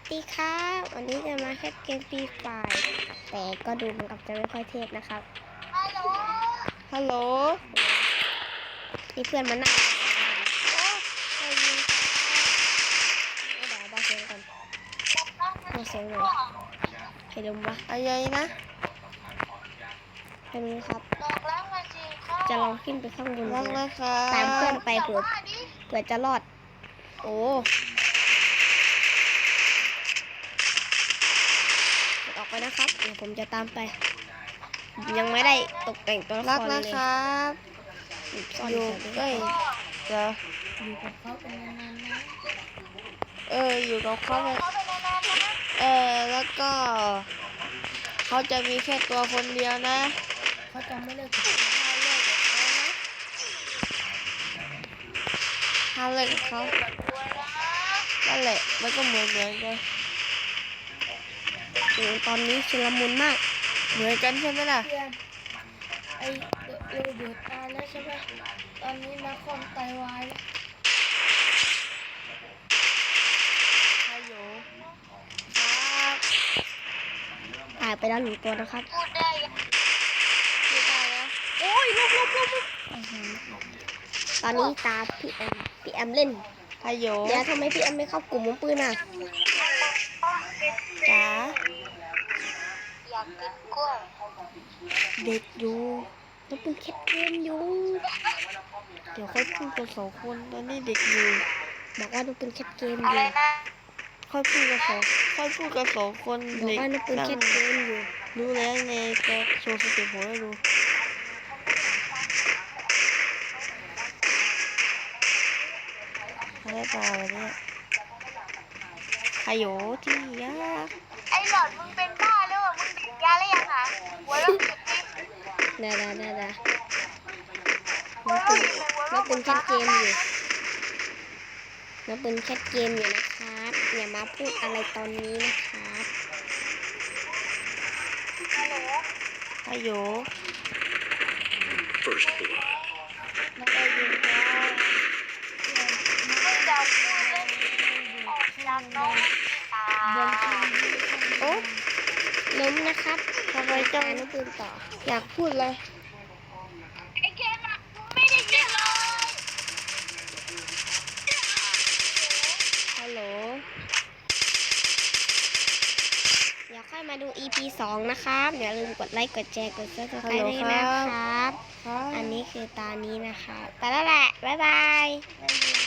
ดีครับวันนี้จะมาแค่เกมฟรีไฟร์แต่ก็ดูเหมือนกับจะไม่ค่อยเทพนะครับฮัลโหลนี่เพื่อนมานั่งใครยิงไม่ได้บอกเสียงก่อนบอกเสียงเลยใครลมวะอะไรนะใครรู้ครับจะลองขึ้นไปข้างบนรักนะคะตามเพื่อนไปเผื่อจะรอดโอ้ออกไปนะครับเดี๋ยวผมจะตามไปยังไม่ได้ตกแต่งตัวละรัคกรเลนะยครับอยู่ใกล้เดี๋ยวอยู่กับเขาเป็นนานๆนะอยู่กับเขาไปแล้วก็เขาจะมีแค่ตัวคนเดียวนะเขาจะไม่เลิกกับถ้าเลิกกับเขานั่นแหละมันก็เหมือนกันโอ้ตอนนี้ชุลมุนมากเหมือนกันใช่ไหมล่ะเพื่อนไอเดือดตายแล้วใช่ไหมตอนนี้นักคอมไตวายแล้วฮัลโหลครับตายไปแล้ว1 ตัวนะครับพูดได้แล้วโอ้ยลุกตอนนี้ตาพี่แอมเล่นฮัลโหลเดี๋ยวทำไมพี่แอมไม่เข้ากลุ่มมือปืนอ่ะจ๋าอยากกินกล้วยเด็กอยู่ต้องเป็นแคทเกมอยู่เดี๋ยวค่อยพูดกัน2 คนตอนนี้เด็กอยู่บอกว่าต้องเป็นแคทเกมออะไรยู่นะค่อยพูดกัน2 คนบอกเด็กว่าต้องเป็นนั่แคงทเกมอยู่รู้แล้วไงจะโชว์สเต็ปผมให้ดูอะไรต่อวะเนี่ยฮัลโหลที่ยักษ์ไอ้หลอดมึงเป็นบ้าหรือเปล่ามึงติดยาหรือยังอ่ะหัวเราะติดดิได้หัวเราะติดเลยหัวน้อเราะงเป็นแคทเกมอยู่น้องเป็นแคทเกมอยู่นะครับอย่ามาพูดอะไรตอนนี้นะครับฮัลโหลฮัลโหล First blood. ไม่ได้ยินครับมึงจะพูดเลยออกจากน้องตาโอ้ล้มนะครับทำไมจังน้องปืนต่ออยากพูดเลยไอ้เกมอ่ะมึงไม่ได้ยินเลยฮัลโหลเดี๋ยวค่อยมาดู EP 2 นะครับอย่าลืมกดไลค์กดแชร์กดฮัล Subscribe โหลด้วยนะครับครับอันนี้คือตานี้นะคะไปแล้วแหละ บ๊ายบายได้ยิน